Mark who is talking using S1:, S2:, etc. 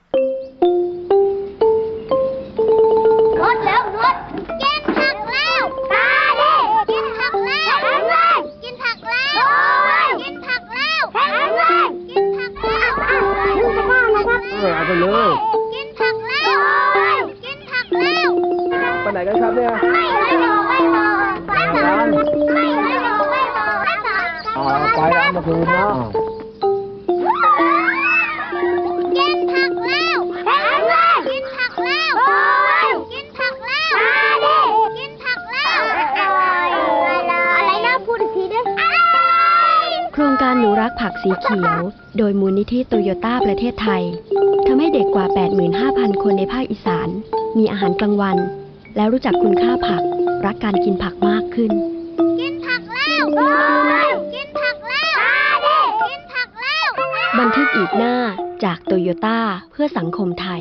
S1: รถแล้วรถกินผักแล้วตาดิกินผักแล้วแข็งแรงกินผักแล้วโอ้ยกินผักแล้วแข็งแรงกินผักแล้วลูกจะบ้าเหรอครับ
S2: เอาไปเลย
S1: กินผักแล้วโอ้ยกินผักแล้ว
S2: ไปไหนกันครับเนี่ย
S1: ไม่บอกไม่บอกไม่บอกไม่บอกไม่บอกไม่บอก
S2: ไปร้านมาคืนเนาะ
S1: กินผักแล้วแข็งแรงกินผักแล้วโอ้ยกินผักแล้วมาดิกินผักแล้วอะไรนะพูดอีกทีด้วย
S3: โครงการหนูรักผักสีเขียวโดยมูลนิธิโตโยต้าประเทศไทยทำให้เด็กกว่า 85,000 คนในภาคอีสานมีอาหารกลางวันและรู้จักคุณค่าผักรักการกินผักมากขึ้น
S1: กินผักแล้วโอ้ยกินผักแล้วมาดิกินผักแล้ว
S3: บันทึกอีกหน้าจากโตโยต้าเพื่อสังคมไทย